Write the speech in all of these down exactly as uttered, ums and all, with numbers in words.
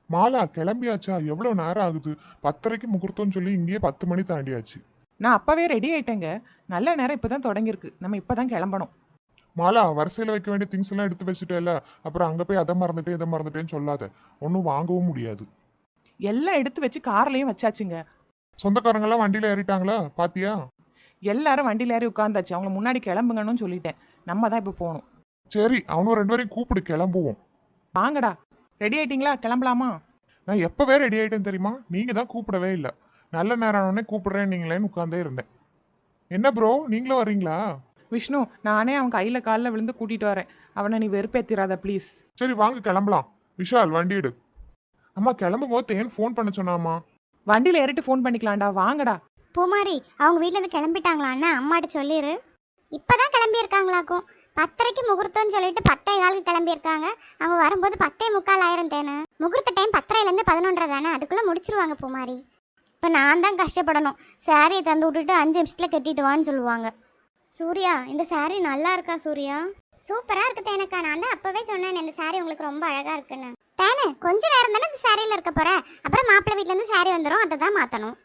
மாலா கிளம்பியாச்சா? எவ்வளவு நேரம் ஆகுது? பத்தரைக்கு முகூர்த்தம்னு சொல்லி இங்கேயே பத்து மணி தாண்டியாச்சு. நான் அப்பவே ரெடி ஆயிட்டேங்க. நல்ல நேரம் இப்பதான் தொடங்கியிருக்கு. நம்ம இப்பதான் கிளம்பணும். மாலா, வரிசையில வைக்க வேண்டிய திங்ஸ் எல்லாம் எடுத்து வச்சுட்டேல, அப்புறம் அங்க போய் அதை மறந்துட்டேன் இதை மறந்துட்டேன்னு சொல்லாத. ஒன்றும் வாங்கவும் முடியாது. எல்லாம் எடுத்து வச்சு கார்லயும் வச்சாச்சுங்க. சொந்தக்காரங்க எல்லாம் வண்டியில ஏறிட்டாங்களா பாத்தியா? எல்லாரும் வண்டியில ஏறி உட்காந்தாச்சு. அவங்கள முன்னாடி கிளம்புங்கன்னு சொல்லிட்டேன். நம்ம தான் இப்ப போகணும். சரி, அவனும் ரெண்டு பேரையும் கூப்பிடு, கிளம்புவோம். வாங்கடா. ரெடி ஆயிட்டீங்களா? கிளம்பலாமா? நான் எப்பவே ரெடி ஆயிட்டேன்னு தெரியுமா? நீங்க தான் கூப்பிடவே இல்லை. நல்ல நேரம் ஆனோடனே கூப்பிடுறேன் நீங்களேன்னு உட்காந்தே இருந்தேன். என்ன ப்ரோ, நீங்களும் வர்றீங்களா? விஷ்ணு, நானே அவன் கையில காலில் விழுந்து கூட்டிட்டு வரேன். அவனை நீ வெறுப்பேத்திராத ப்ளீஸ். சரி வாங்க கிளம்பலாம். விஷால் வண்டி எடு. அம்மா கிளம்பும் போது தேன் ஃபோன் பண்ண சொன்னாமா. வண்டியில ஏறிட்டு ஃபோன் பண்ணிக்கலாம்டா. வாங்கடா. பூமாரி, அவங்க வீட்ல இருந்து கிளம்பிட்டாங்களான்னு அம்மாட்ட சொல்லிடு. இப்பதான் கிளம்பி இருக்காங்களாக்கும். பத்தரைக்கு முகூர்த்தம்னு சொல்லிட்டு பத்தே காலுக்கு கிளம்பி இருக்காங்க. அவங்க வரும்போது பத்தே முக்கால் ஆயிரம் தேனு. முகூர்த்த டைம் பத்தரைல இருந்து பதினொன்றரை தானே, அதுக்குள்ள முடிச்சிருவாங்க பூமாரி. இப்ப நான் தான் கஷ்டப்படணும். சாரியை தந்து விட்டுட்டு அஞ்சு நிமிஷத்துல கட்டிட்டு வான்னு சொல்லுவாங்க. சூர்யா, இந்த சாரி நல்லா இருக்கா சூர்யா? சூப்பரா இருக்கு தேனக்கா. நான் தான் அப்பவே சொன்னேன் இந்த சாரி உங்களுக்கு ரொம்ப அழகா இருக்குன்னு. தேனு, கொஞ்ச நேரம் தானே இந்த சாரியில இருக்க போற, அப்புறம் மாப்பிள்ளை வீட்ல இருந்து சாரி வந்துடும், அதை தான் மாத்தணும்.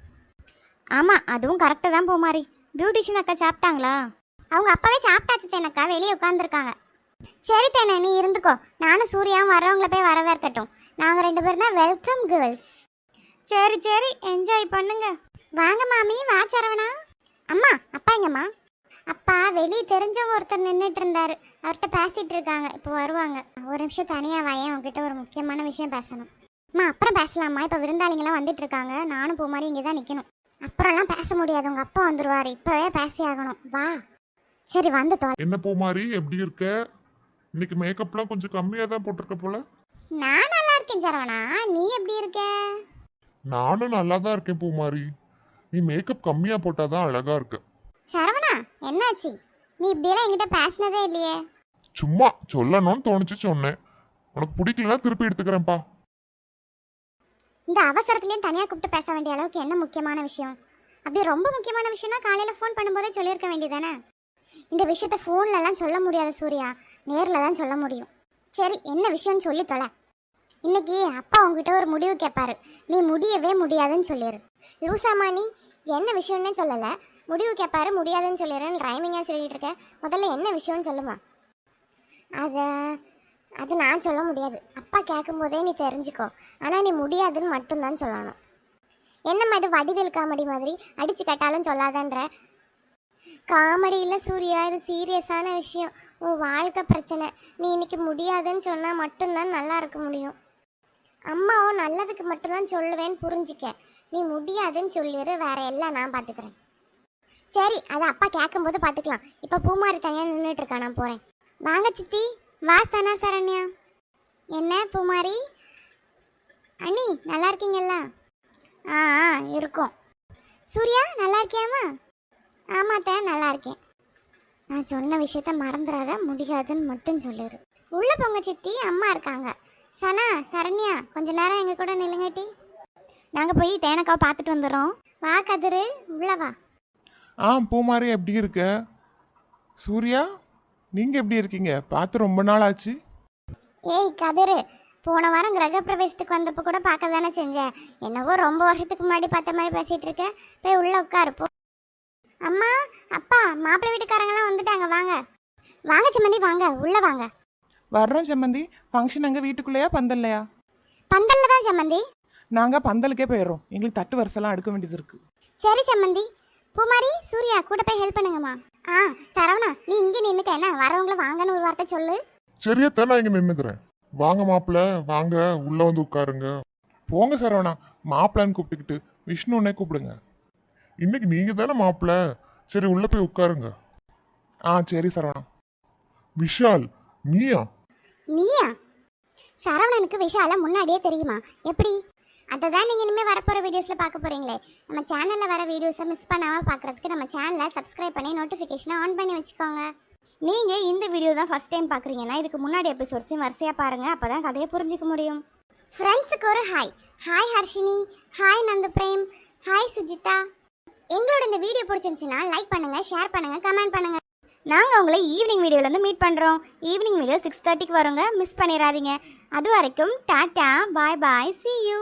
ஆமா, அதுவும் கரெக்டு தான் பூமாரி. பியூட்டிஷியன் அக்கா சாப்பிட்டாங்களா? அவங்க அப்பவே சாப்பிட்டாச்சு தேனக்கா, வெளியே உட்காந்துருக்காங்க. சரி தேனே, நீ இருந்துக்கோ. நானும் சூர்யாவும் வரவங்களை போய் வரவேற்கட்டும். நாங்க ரெண்டு பேரும் தான் வெல்கம் கேர்ள்ஸ். சரி சரி, என்ஜாய் பண்ணுங்க. வாங்க மாமி, வா சரவணா. அம்மா, அப்பா எங்கம்மா? அப்பா வெளியே தெரிஞ்சவங்க ஒருத்தர் நின்றுட்டு இருந்தாரு, அவர்கிட்ட பேசிட்டு இருக்காங்க, இப்போ வருவாங்க. ஒரு நிமிஷம் தனியா வாயேன், உங்ககிட்ட ஒரு முக்கியமான விஷயம் பேசணும். அம்மா அப்புறம் பேசலாமா? இப்போ விருந்தாளிங்களாம் வந்துட்டு இருக்காங்க, நானும் போ மாதிரி இங்கே தான் நிற்கணும். அப்புறம்லாம் பேச முடியாது, உங்க அப்பா வந்துருவாரு, இப்பவே பேசி ஆகணும். வா. சரி வந்து தோ. என்ன பூ மாதிரி எப்படி இருக்க? இன்னைக்கு மேக்கப்லாம் கொஞ்சம் கம்மியா தான் போட்டிருக்க போல. நான் நல்லா இருக்கேன் சரவணா, நீ எப்படி இருக்க? நானும் நல்லா தான் இருக்கேன் பூ மாதிரி. நீ மேக்கப் கம்மியா போட்டாதான் அழகா இருக்க. சரவணா, என்னாச்சு? நீ இப்படியெல்லாம் என்கிட்ட பேசினதே இல்லையே. சும்மா சொல்லணும்னு தோணுச்சு சொன்னேன். உனக்கு பிடிக்கலன்னா திருப்பி எடுத்துக்கிறேன்ப்பா. இந்த அவசரத்துலேயும் தனியாக கூப்பிட்டு பேச வேண்டிய அளவுக்கு என்ன முக்கியமான விஷயம்? அப்படி ரொம்ப முக்கியமான விஷயம்னா காலையில் ஃபோன் பண்ணும்போதே சொல்லியிருக்க வேண்டியதானே? இந்த விஷயத்த ஃபோன்லலாம் சொல்ல முடியாது சூர்யா, நேரில் தான் சொல்ல முடியும். சரி, என்ன விஷயம்னு சொல்லி தொலை. இன்னைக்கு அப்பா உங்ககிட்ட ஒரு முடிவு கேட்பாரு, நீ முடியவே முடியாதுன்னு சொல்லிடு. லூசாமா நீ? என்ன விஷயம்னே சொல்லலை, முடிவு கேட்பாரு முடியாதுன்னு சொல்லிடுறேன்னு ரைமிங்காக சொல்லிகிட்டு இருக்க. முதல்ல என்ன விஷயம்னு சொல்லுமா? அதை அது நான் சொல்ல முடியாது, அப்பா கேட்கும்போதே நீ தெரிஞ்சுக்கோ. ஆனால் நீ முடியாதுன்னு மட்டும்தான் சொல்லணும். என்னம்மா இது வடிவேல் காமெடி மாதிரி அடித்து கேட்டாலும் சொல்லாதன்ற? காமெடி இல்லை சூர்யா, இது சீரியஸான விஷயம். உன் வாழ்க்கை பிரச்சனை. நீ இன்னைக்கு முடியாதுன்னு சொன்னால் மட்டும்தான் நல்லா இருக்க முடியும். அம்மாவும் நல்லதுக்கு மட்டும்தான் சொல்லுவேன்னு புரிஞ்சிக்க. நீ முடியாதுன்னு சொல்லிடு, வேற எல்லாம் நான் பார்த்துக்கிறேன். சரி, அதை அப்பா கேட்கும்போது பார்த்துக்கலாம். இப்போ பூமாரி தனியாக நின்றுட்டு இருக்கா, நான் போகிறேன். வாங்க சித்தி. வா சனா சரண்யா. என்ன பூமாரி அண்ணி, நல்லா இருக்கீங்களா? ஆ ஆ இருக்கோம். சூர்யா நல்லா இருக்கியாமா? ஆமாத்தா நல்லா இருக்கேன். நான் சொன்ன விஷயத்த மறந்துடாத, முடியாதுன்னு மட்டும் சொல்லிடு. உள்ள போங்க சித்தி, அம்மா இருக்காங்க. சனா சரண்யா, கொஞ்ச நேரம் எங்கள் கூட நில்லுங்கட்டி. நாங்கள் போய் தேனக்காவை பார்த்துட்டு வந்துடுறோம். வா கதிரு, உள்ள வா. ஆ பூ மாதிரி எப்படி இருக்க? சூர்யா, நீங்க எப்படி இருக்கீங்க? பார்த்து ரொம்ப நாள் ஆச்சு. ஏய் கதிரு, போன வாரம் கிரகப்பிரவேசத்துக்கு வந்தப்போ கூட பார்க்க தானே செஞ்சேன். என்னவோ ரொம்ப வருஷத்துக்கு முன்னாடி பார்த்த மாதிரி பேசிகிட்டு இருக்கேன். போய் உள்ளே உட்காருப்போ. அம்மா அப்பா, மாப்பிள்ளை வீட்டுக்காரங்களாம் வந்துட்டாங்க, வாங்க வாங்க சம்மந்தி, வாங்க உள்ளே வாங்க. வர்றோம் சம்மந்தி. ஃபங்க்ஷன் அங்கே வீட்டுக்குள்ளேயா பந்தல்லையா? பந்தல்ல தான் சம்மந்தி. நாங்கள் பந்தலுக்கே போயிடுறோம், எங்களுக்கு தட்டு வரிசெல்லாம் அடுக்க வேண்டியது இருக்கு. சரி சம்மந்தி. பூமாரி சூர்யா கூட போய் ஹெல்ப் பண்ணுங்கம்மா. ஆ சரவணா, நீ இங்கே நின்றுக்க, என்ன வரவங்களை வாங்கன்னு ஒரு வார்த்தை சொல்லு. சரியத்தான், நான் இங்க நின்னுக்கிறேன். வாங்க மாப்பிள்ள, வாங்க உள்ள வந்து உட்காருங்க. போங்க சரவணா, மாப்பிள்ளன்னு கூப்பிட்டுக்கிட்டு விஷ்ணுன்னே கூப்பிடுங்க. இன்னைக்கு நீங்க தானே மாப்பிள்ள. சரி உள்ள போய் உட்காருங்க. ஆ சரி சரவணா. விஷால், நீயா? நீயா? சரவணனுக்கு விஷால முன்னாடியே தெரியுமா? எப்படி? அதை தான் நீங்கள் இனிமேல் வரப்போகிற வீடியோஸில் பார்க்க போகிறீங்களே. நம்ம சேனலில் வர வீடியோஸை மிஸ் பண்ணாமல் பார்க்குறதுக்கு நம்ம சேனலை சப்ஸ்கிரைப் பண்ணி நோட்டிஃபிகேஷனை ஆன் பண்ணி வச்சுக்கோங்க. நீங்கள் இந்த வீடியோ தான் ஃபஸ்ட் டைம் பார்க்குறீங்கன்னா இதுக்கு முன்னாடி எபிசோட்ஸையும் வரிசையாக பாருங்கள், அப்போ தான் கதையை புரிஞ்சிக்க முடியும். ஃப்ரெண்ட்ஸுக்கு ஒரு hi. Hi Harshini, hi Nandu Prem, hi Sujitha. எங்களோட இந்த வீடியோ பிடிச்சிருந்துச்சுன்னா லைக் பண்ணுங்கள், ஷேர் பண்ணுங்கள், கமெண்ட் பண்ணுங்கள். நாங்கள் உங்களை ஈவினிங் வீடியோலேருந்து மீட் பண்ணுறோம். ஈவினிங் வீடியோ சிக்ஸ் தேர்ட்டிக்கு வரோங்க, மிஸ் பண்ணிடாதீங்க. அது வரைக்கும் tata, bye bye, see you.